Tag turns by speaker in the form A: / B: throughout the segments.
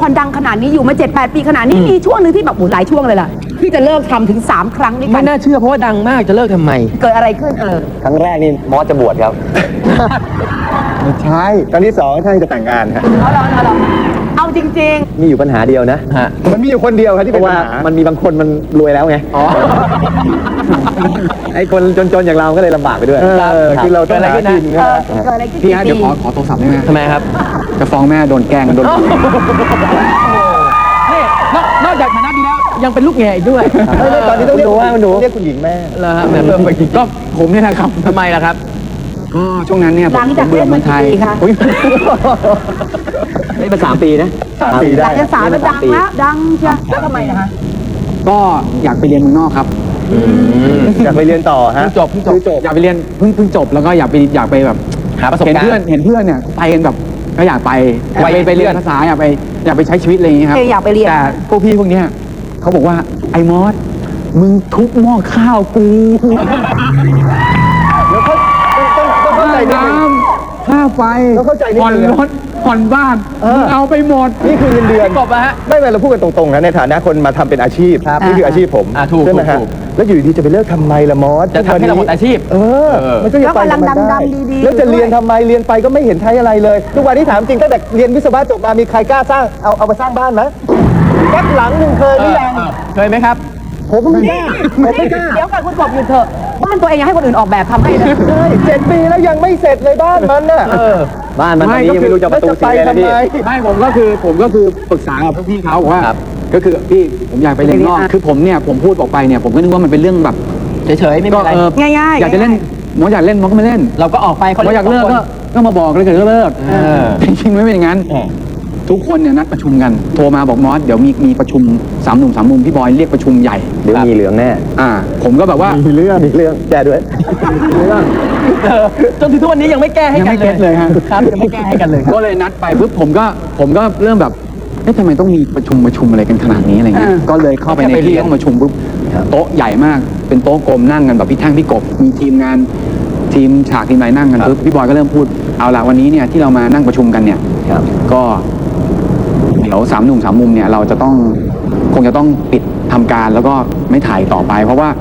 A: รดังขนาดนี้อยู่มา7-8 ปีขนาดนี้มีช่วงหนึ่งที่แบบหลายช่วงเลยล่ะที่จะเลิกทำถึง3 ครั้งด้วยกั
B: ไม่
A: น
B: น่าเชื่อเพราะว่าดังมากจะเลิกทำไม
A: เกิดอะไรขึ้น
C: ครั้งแรกนี่มอสจะบวชครับ
D: ไม่ใช่ครั้งที่2ท่านจะแต่งงานฮะ
A: เอาจริง
C: มีอยู่ปัญหาเดียวนะ
D: มันมีอยู่คนเดียวครับที่
C: เพ
D: เป็น
C: ราะ
D: ปั
C: ว่า
D: ญหา
C: มันมีบางคนมันรวยแล้วไง ไอ้คนจนๆอย่างเราก็เลยลำบากไปด้วย
D: คือเราต้องหากิน
A: ๆเกิดอะไรขึ้น
E: พี่ฮะเดี๋ยวขอโทรศัพท์ได้ไหม
C: ทำไมครับ
E: จะฟ้องแม่โดนแกล้งโดน
B: นี่นอกจากฐานะดีแล้วยังเป็นลูกแง่อีกด้วย
D: ตอนนี้ต้องเรียก
C: คุณหนู
D: เรียกคุณหญิงแม่
B: เหรอฮะแบบ
E: ก็ผมเนี่ยนะครับ
B: ทำไมล่ะครับ
E: ก็ช่วงนั้นเนี่ย
A: หลังจาก
E: เบื่อเมืองไทย
A: เล่นมากี่ปีคะ
E: อุ๊ย
C: นี่มา3 ปีนะ
D: 3 ปีได้
A: หลังจากสาวแล้วดังแล้วดังใช่แล้วทำไมนะคะ
E: ก็อยากไปเรียนเมืองนอกครับ
D: อยากไปเรียนต่อฮะ
E: จบอยากไปเรียนเพิ่งจบแล้วก็อยากไปแบบ
B: หาประสบการณ์
E: เห็นเพื่อนเนี่ยไปกันแบบก็อยากไป
B: วัย
E: ไปเรีย
B: เพื่อน
E: นภาษาอยากไปใช้ชีวิตอะไรอย่างเงี้ยครับ
A: อยากไปเรียน
E: แต่พวกพี่พวกเนี้ยเขาบอกว่าไอ้มอสมึงทุบหม้อข้าวกู
D: แล้วเขาต้องเข้าใจนิด
E: น้
D: นึง
E: ำค่าไฟ
D: ต้องเข้าใจนิดนึง
E: ผ่อนรถผ่อนบ้าน
D: เออ
E: มึงเอาไปหมด
D: นี่คือเงินเดือน
B: กบอะฮะ
D: ไม่เป็นเราพูดกันตรงๆนะในฐานะคนมาทำเป็นอาชีพนี่คืออาชีพผม
B: ถูก
D: ใช่ไหมฮะ
B: ถูก
D: แล้วอยู่ดีจะไปเลิกทำไมล่ะมอส
B: จะทำให้เราหมดอาชีพ
D: มันก็ยังไปกับมันได้แล้วจะเรียนทำไมเรียนไปก็ไม่เห็นใช้อะไรเลยทุกวันนี้ถามจริงตั้งแต่เรียนวิศวะจบมามีใครกล้าสร้างเอามาสร้างบ้านไหมแค่หลังหนึ่งเคยหรือยัง
B: เคยไหมครับ
D: ผมไม่กล้าผมไม่กล้า
A: เดี๋ยวก่อนคุณกบหยุดเถอะบ้านตัวเองยังให้คนอื่นออกแบบทำให้เลย
D: ใช่7 ปีแล้วยังไม่เสร็จเลยบ้านมันน่ะ
C: บ้านมันตอนนี้ยังไม่รู้จะประตูสีอะไรนะพี่
E: ไม่ผมก็คือปรึกษากับพวกพี่เขาบอกว่า
C: ครับ
E: ก็คือพี่ผมอยากไปเรียนนอกคือผมเนี่ยผมพูดออกไปเนี่ยผมก็นึกว่ามันเป็นเรื่องแบบ
B: เฉยๆไม่มีอะไร
A: ง่ายๆ
E: อยากจะเล่นหมออยากเล่นหมอก็ไม่เล่น
B: เราก็ออกไป
E: หมออยากเลิกก็มาบอกเลยเกิดเลิกจริงๆไม่เป็นอย่างนั้น ทุกคนเนี่ยนัดประชุมกันโทรมาบอกมอสเดี๋ยวมีประชุม3 หนุ่ม3 มุมพี่บอยเรียกประชุมใหญ่
C: เดี๋ยวมีเหลืองแน่
E: ผมก็แบบว่า
D: มีเรื่อง
C: แกด้วย
B: จนถึงทุกวันนี้ยังไม่แก้ให้
E: ยัง
B: กัน
E: ไม่เก็ตเลยฮะ
B: ครับยังไม่แก้ให้กันเลยครับ
E: ก็เลยนัดไปปุ๊บผมก็เริ่มแบบเอ๊ะทำไมต้องมีประชุมอะไรกันขนาดนี้อะไรเงี้ยก็เลยเข้าไปในที่ห้องประชุมปุ๊บโต๊ะใหญ่มากเป็นโต๊ะกลมนั่งกันแบบพี่แท่งพี่กบมีทีมงานทีมฉากทีมอะไรนั่งกันปุ๊บพี่บอยก็เริ่มพูดเอาละวันนี้เนี่ยที่เรามานั่งประชุมกันเนี่ย
C: ครับ
E: ก็เดี๋ยว3 หนุ่ม3 มุมเนี่ยเราจะต้องคงจะต้องปิดทำการแล้วก็ไม่ถ่ายต่อไป เพราะว่า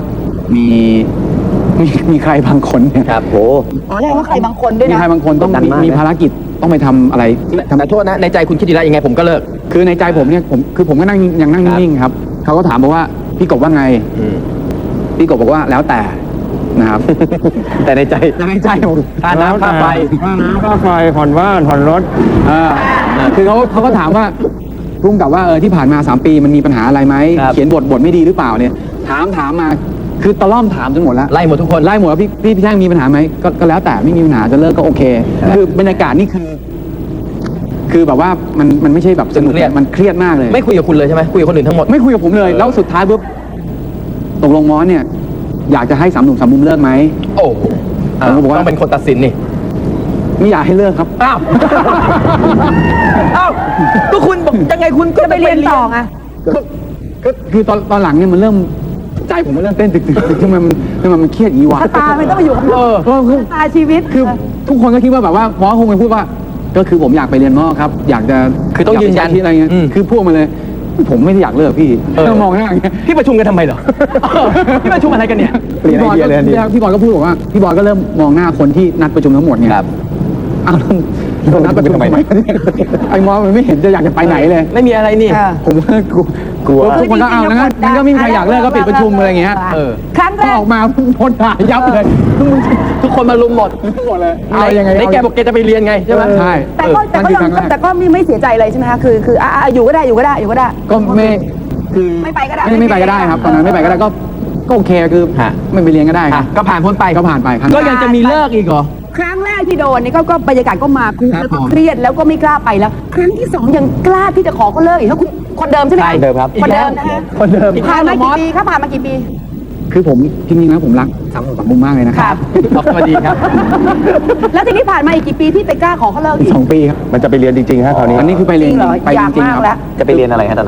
E: มีใครบางคนเนี่ย
C: ครับโห
A: อ๋อเรียกว่าใครบางคนด้วย
E: มี
A: นะ
E: ใครบางคนต้อง
C: กดดันมากนะ
E: มีภารกิจต้องไปทำอะไร
B: แต่โทษนะในใจคุณคิดดีแล้วยังไงผมก็เลิก
E: คือในใจผมเนี่ยผมก็นั่งยังนั่งนิ่งๆครับเขาก็ถามบอกว่าพี่กบว่าไงพี่กบบอกว่าแล้วแต่นะครับ
C: แต่ในใจ
E: แต่ในใจผม
B: ค่าน้ำค่าไฟ
D: ค่าไฟผ่อนบ้านผ่อนรถ
E: คือเขาก็ถามว่าพุ่งกับว่าที่ผ่านมา3 ปีมันมีปัญหาอะไรไหม
C: ครับ
E: เขียนบทไม่ดีหรือเปล่าเนี่ยถามมาคือตะล่อมถามจนหมดแล้ว
B: ไล่หมดทุกคน
E: ไล่หมดว่าพี่แท่งมีปัญหาไหมก็แล้วแต่ไม่มีปัญหาจะเลิกก็โอเค คือบรรยากาศนี่คือแบบว่ามันไม่ใช่แบบสนุก
B: เครียด
E: มันเครียดมากเลย
B: ไม่คุยกับคุณเลยใช่ไหมคุยกับคนอื่นทั้งหมด
E: ไม่คุยกับผมเลย แล้วสุดท้ายปุ๊บตกลงมอสเนี่ย อยากจะให้3 หนุ่ม3 มุมเลิกไหม
B: โอ้โห
E: ผมก็บอกว่า
B: ต้องเป็นคนตัดสินนี่
E: ไม่อยากให้เลิกครับ
B: อ้าว อ้าว ก็คุณบอกยังไงคุณก็
A: จะไปเรียนต่อไง
E: คือตอนหลังเนี่ยมันเริ่มใจผมมันเริ่มเต้นตึกทำไมมันเครียดอย่างนี้วะ
A: ชะตาไม่ต้องมาอยู่กับเรา
E: คือ
A: ชะตาชีวิต
E: คือทุกคนก็คิดว่าแบบว่าหมอคงไปพูดว่า ก็คือผมอยากไปเรียนนอกครับ อยากจะ
B: คือต้องยืนยัน
E: ากไปใช้ชีวิตอะไรเงี้ยคือพูดมาเลย ผมไม่ได้อยากเลิกพี่ต้องมองหน้าอย่างเงี้ย
B: พี่ประชุมกันทำไมเหรอ พี่ประชุมอะไรกันเนี่ย
E: พี่บอยก็พูดบอกว่าพี่บอยก็เริ่มมองหน้าคนที่นัดประชุมทั้งหมดเนี่ยอ้าวแล้วนัดประชุมทำไมไอ้มอสมันไม่เห็นจะอยากจะไปไหนเลย
B: ไม่มีอะไรนี่
E: ผมว่ากลัวทุกคนก็เอาแล้วงั้นก็ไม่มีใครอยากเลิกก็ปิดประชุมอะไรเงี้ย
A: ครั้ง
E: พ
A: แร
E: อก ออกมาพ้นด่ายับเลย
B: ทุกคนมาลุมหมด
E: หมดเลยเอายังไง
B: ในแกบอกแกจะไปเรียนไงใช่ไหม
E: ใช่
A: แต่ก็ไม่เสียใจเลยใช่ไหมคะคืออยู่ก็ได้อยู่ก็ได้อยู่ก็ได้
E: ก็ไม่คือ
A: ไม่ไปก็ได้
E: ไม่ไปก็ได้ครับตอนนั้นไม่ไปก็ได้ก็โอเคคือไม่ไปเรียนก็ได้ครับ
B: ก็ผ่านพ้นไป
E: ก็ผ่านไปครับ
B: ก็ยังจะมีเลิกอีกเหรอ
A: ครั้งแรกที่โดนนี่ก็บรรยากาศก็มาคุกแล้วก็เครียดแล้วก็ไม่กล้าไปแล้ว ครั้งที่2ยังกล้าที่จะขอเขาเลิกอีกแล้วคุณคนเดิมใช่ไหม
C: ใช่เดิมครับ
A: คนเดิมนะคะ
D: คนเดิม
A: ผ่านมากี่ปีครับผ่านมากี่ปี
E: คือผมจริงๆแล้วผมรัก3 มุมมากเลยนะค
A: ครั
E: รับ
B: สวัสดีครับ
A: แล้วทีนี้ผ่านมาอีกกี่ปีที่ไปกล้าขอเขาเลิกอีก
E: 2 ปีครับ
D: มันจะไปเรียนจริงๆฮะคราวนี้
E: อันนี้คือไปเรียน
A: จริงเหรอ
E: ไป
A: อยาก
E: จริง
A: มาก
E: ๆค
A: แล้
E: รับ
A: ว
C: จะไปเรียนอะไรฮะตอนนั้น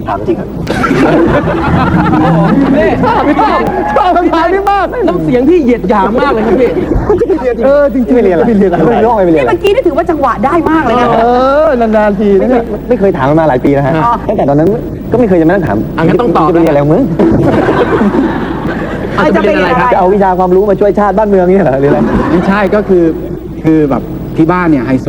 C: ถามจริงอะ
B: นี่พี่ต้อม
D: ชอบคำถามนี้มาก
B: น้ำเสียงพี่เหยียดหยามมากเลยครับพี่
D: จริงๆไม่เรียนอะไรไม่เรียนอะไรไม่ร้องไม่เรียน
A: นี่
D: อะไร
A: เมื่อกี้นี่ถือว่าจังหวะได้มากเลยนะ
D: นานๆทีนะเนี่ยไม่เคยถามมันมาหลายปีนะฮะตั้งแต่ตอนนั้นก็ไม่เคยจะมานั่งถาม
B: งั้นต้องตอบ
D: จะไปเรียนอะไรของมึง
B: จะไปเรียนอะไรครับ
D: จะเอาวิชาความรู้มาช่วยชาติบ้านเมืองนี่เหรอหรืออะไร
E: ไม่ใช่ก็คือแบบที่บ้านเนี่ยไฮโซ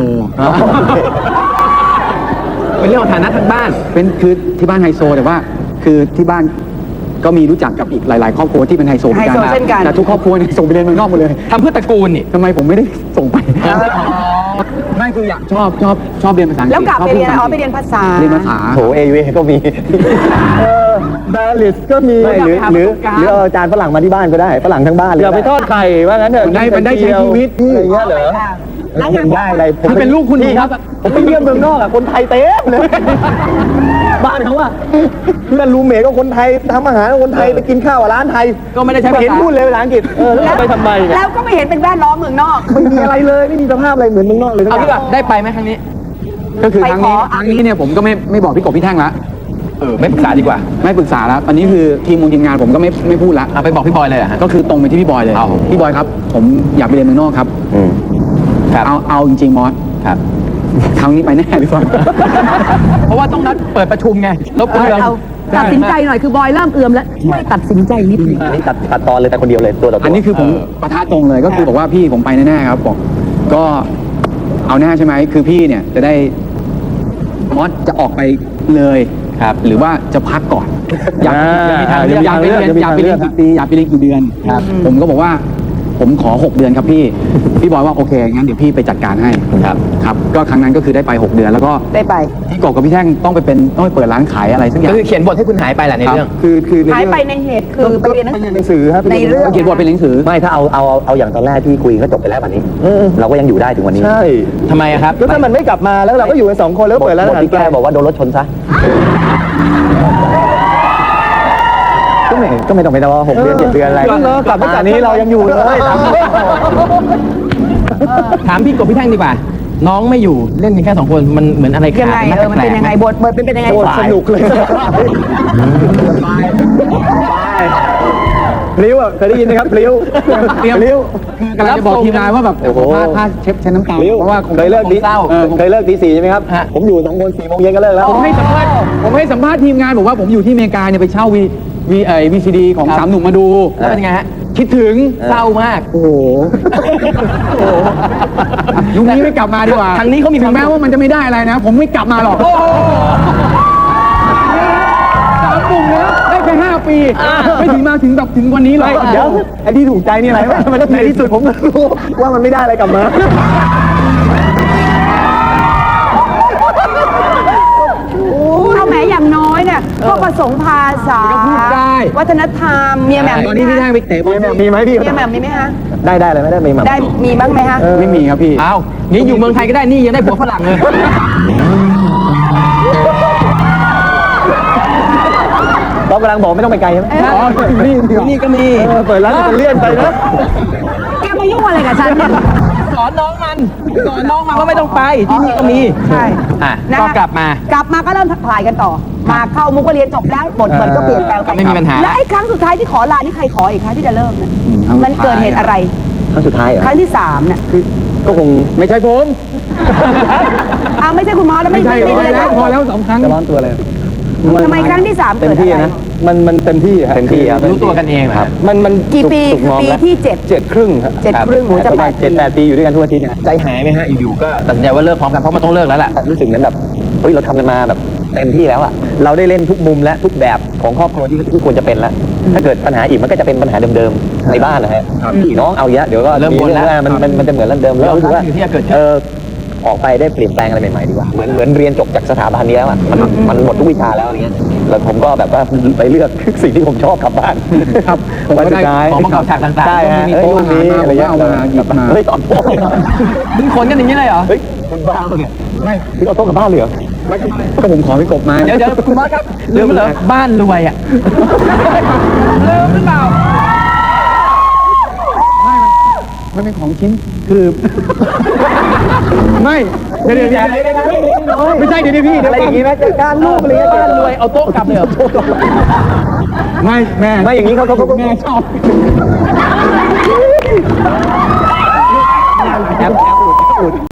B: เป็นเรื่องของฐานะทางบ้าน
E: เป็นคือที่บ้านไฮโซแต่ว่าคือที่บ้านก็มีรู้จักกับอีกหลาย ๆ ครอบครัวที่เป็นไฮโซเหมือน
A: ไฮโซเช่นกัน
E: แต่ทุกครอบครัวเนี่ยส่งไปเรียนเมืองนอกหมดเลย
B: ทำเพื่อตระกูลนี่
E: ทำไมผมไม่ได้ส่งไปไม่คืออยากชอบเรียนภาษาอังกฤษ
A: แล้วกลับไปเรียน
E: ช
A: อ๋อ
E: พูด
A: ไปเรียนภาษา
E: เรียนภาษา
D: โถเอเวก็มีดาริสก็มีหรือเอาอาจารย์ฝรั่งมาที่บ้านก็ได้ฝรั่งทั้งบ้านเลยอย่าไปทอดไข่ว่างั้นเถอะ
E: มันได้ใช้ชีวิต
D: อะไรเงี้ยเหรอ
A: แล้วงาน
D: ได้อะไร
E: ถ้าเป็นลูกคุณ
D: พี่ครับ ผมไปเยี่ยมเมืองนอกอ่ะคนไทยเต็มเลยบ้านเขาอ่ะเพื่อนรูเมทก็คนไทยทำอาหารก็คนไทยไปกินข้าวร้านไทย
B: ก็ไม่ได้ใช้ภาษา
D: เห็นพูดเลยภาษาอังกฤษแล้วจะไปทำไมเนี่ย
A: แล้วก็ไม่เห็นเป็นแวดล้อมเมืองนอก
D: ไม่มีอะไรเลยไม่มีสภาพอะไรเหมือนเมืองนอกเลย
B: เอาดีกว่าได้ไปไหมครั้งนี้
E: ก็คือครั้งนี้
A: ไปขอ
E: ครั้งนี้เนี่ยผมก็ไม่บอกพี่กบพี่แท่งละ
B: ไม่ปรึกษาดีกว่า
E: ไม่ปรึกษาแล้วตอนนี้คือทีมงานผมก็ไม่พูดละ
B: ไปบอกพี่บอยเลยเหรอฮะ
E: ก็คือตรงไปที่พี่บอยเลย
B: เอา
E: พี่บอยครับ ผมอยากไปเรียนเมืองนอกครับ
B: ครับ
E: เอาจริงๆมอส
B: ครับ
E: ครั้งนี้ไปแน่หรือเปล่า
B: เพราะว่าต้องนัดเปิดประชุมไงรบกวน
A: เอาตัดสินใจหน่อยคือบอยเริ่มเอือมแล้วช่วยตัดสินใจนิดนึง
D: อันนี้ตัดตอนเลยแต่คนเดียวเลยตัวต่อตัว
E: อันนี้คือผมประทะตรงเลยก็คือบอกว่าพี่ผมไปแน่ๆครับบอกก็เอาแน่ใช่ไหมคือพี่เนี่ยจะได้มอสจะออกไปเลยครับ หรือว่าจะพักก่อน อยากไปเรียนกี่ปีอยากไปเรียนกี่เดือนผมก็บอกว่าผมขอ 6 เดือนครับพี่บอยว่าโอเคงั้นเดี๋ยวพี่ไปจัดการให้ครับก็ครั้งนั้นก็คือได้ไป 6 เดือนแล้วก็
A: ได้ไป
E: พี่กบกับพี่แท่งต้องไปเปิดร้านขายอะไรสักอย่า
B: ก็
E: ง
B: คือเขียนบทให้คุณหายไปแหละในเรื่อง
D: คือใน
A: หาย
D: เรื่อง
A: ไปในเหตุคือไปเรียนหนังสือ
D: หนังสือครับ
A: ในเรื่อง
E: เขียนบทเป็นหนังสือ
C: ไม่ถ้าเอาอย่างตอนแรกที่คุยก็จบไปแล้ววันนี้ เราก็ยังอยู่ได้ถึงวันนี้
D: ใช่
B: ทำไมอะครับ
D: ก็ถ้ามันไม่กลับมาแล้วเราก็อยู่กัน2 คนแล้วเปิดร้าน
C: บ
D: อา
C: ท
D: หาร
C: ที่แก้บอกว่าโดนรถชนซะก็ไม่ต้องไปรอ6 เดือน 7 เดือนอะไร
D: ก็เลิกกลับมาจากนี้เรายังอยู่เลย
B: ถามพี่กบพี่แท่งดีกว่า น้องไม่อยู่เล่นกันแค่2 คนมันเหมือนอะไร
A: ยังไง
B: ขาด
A: มันเป็นยังไงบทเป็นยังไง
D: โคตรสนุกเลยพลิ้วอ่ะเคยได้ยินไหมครับพลิ้ว
E: เตรียม
D: พลิ้ว
E: กำลังจะบอกทีมงานว่าแบบ
D: โอ้โห
E: ถ้าเช็ดน้ำตา
D: พลิ้ว
E: เพราะว่า
D: เคยเลิกดี
B: เศร้า
D: เคยเลิกตี 4ใช่ไหมครับ ผมอยู่2 คน4 โมงเย็นก็เลิกแล้ว
E: ผมให้สัมภาษณ์ทีมงานบอกว่าผมอยู่ที่อเมริกาเนี่ยไปเช่าVCD ของ
B: ครับ
E: 3 หนุ่มมาดู
B: แล้วเป็นยังไงฮะ
E: คิดถึง
B: เศร้ามาก
E: โอ้โหยุคนี้ไม่กลับมาดีกว่า
B: ทางนี้เขามี
E: ถึงแม้ว่ามันจะไม่ได้อะไรนะ ผมไม่กลับมาหรอก3 หนุ่มนะได้แค่5 ปี ไม่ถึงมาถึงวันนี้หรอก
D: เดี๋ยวไอ้ที่ถูกใจนี่อะไรวะมันในที่สุดผมก็รู้ว่ามันไม่ได้อะไรกลับมา
A: เอาแหมอย่างน้อยเนี่ยก็ผสมภาษา
E: ก็พูดได้
A: วัฒนธรรมเมียแหม่ม
E: ตอนนี้พี่แท่งไปเตะบอล
D: มีไหมพี่
A: เมียแหม่มมีไหมฮะ
D: ได้อะไรไม่ได้มีหมา
A: ได้มีบ้างไหมฮะ
E: ไม่มีครับพี่
B: อ้าวนี่อยู่เมืองไทยก็ได้นี่ยังได้ผัวฝรั่งเลย
D: เรากำลังบอกไม่ต้องไปไกลใช่ไหม
E: อ๋อนี่ก็มี
D: เปิดร้านจะเลื่อนไปนะ
A: แกมายุ่งอะไรกับฉันเนี่ย
B: สอนน้องมันว่าไม่ต้องไปที่นี่ก็มี
A: ใช่
B: อ่ะ
A: นะ
B: ก็
A: ฮะ
B: กลับมา
A: กลับมาก็เริ่มทักทายกันต่อ มาเข้ามุกก็เรียนจบแล้วบทมันก็เปลี่ยนแปลงไป
B: ไม่มีปัญหา
A: และไอ้ครั้งสุดท้ายที่ขอลานี่ใครขออีกคะที่จะเริ่มเนี่ยมันเกิดเหตุอะไร
C: ครั้งสุดท้ายเหรอ
A: ครั้งที่3เนี่ย
C: ก็คง
E: ไม่ใช่ผม
A: ไม่ใช่คุณมอสแล้วไม่
E: ไม่ใช่
A: ไม่
E: พอ
A: ไม่
E: แล้วพอแล้ว2 ครั้ง
D: จะร้อนตัวเลย
A: ทำไมครั้งที่3
D: เต็
A: เกิ
D: ม
A: ด
D: ที่
A: อะไร
D: นะมันเต็มที่ครับ
C: เต็มที่ครับ
B: รู้ตัวกันเองครับ
D: มัน
A: กี่ปี
D: สุกงอม
A: ปี
D: แล้ว
A: ที่
D: 7 ครึ่งครับ
A: 7 ครึ่งหนูจะ
D: ประ
A: ไป
D: มาณ7-8 ปีอยู่ด้วยกันทุกอาทิตย์เนี่ย
B: ใจหายไหมฮะอยู่ๆก็ตัดสินใจว่าเลิกพร้อมกันเพราะมันต้องเลิกแล้วแหละ
C: รู้สึกเหมือนแบบเฮ้ยเราทำกันมาแบบเต็มที่แล้วอะเราได้เล่นทุกมุมและทุกแบบของครอบครัวที่ควรจะเป็นแล้ว ถ้าเกิดปัญหาอีกมันก็จะเป็นปัญหาเดิมๆในบ้านนะฮะพี่น้องเอาเยอะเดี๋ยวก็
B: เริ่มบ่นแล้ว
C: มันจะเหมือนเรื่องเดิมแล้วรู้สึกว่า
B: อยู่ที่จะเกิดขึ้น
C: ออกไปได้เปลี่ยนแปลงอะไรใหม่ๆดีกว่าเหมือนเรียนจบจากสถาบันนี้แล้วอะมันหมดทุกวิชาแล้วอะไรเงี้ยแล้วผมก็แบบว่าไปเลือกสิ่งที่ผมชอบกลับบ้าน
E: ครับผม
C: วัน
E: ก็
C: สุ
E: ได้
C: ดท้าย
B: ของประกอบฉากต่างๆ
C: ใช่ฮะ
E: มีโต๊ะอาหารมา
C: อะไรเงี้ย
E: เอามาหยิบมา
C: เฮ้ยตอนพ่อ
B: มึงขนกันอย่างนี้เลยเหรอ
C: เฮ้ยคุณบ้าปะเนี่ยไม่พี่เอาโต๊ะกลับบ้านเลยเหรอ
E: ก็ผมขอพี่กบมา
B: เดี๋ยวคุณมอสครับลืมไปเหรอบ้านรวยอ่ะลืมหรือเปล่า
E: มันเป็นของชิ้นคือ ไม่เดี๋ยวไม่ใช่เดี๋ยวพี่
D: อะไรอย่างงี้ไหมจัดการลูกอะไรเงี้ย
B: บ้านรวยเอาโต๊ะกลับเลยเหรอ
E: ไม่แม่
C: ไม่อย่างนี้เขา
E: แม่ชอบ
C: แอป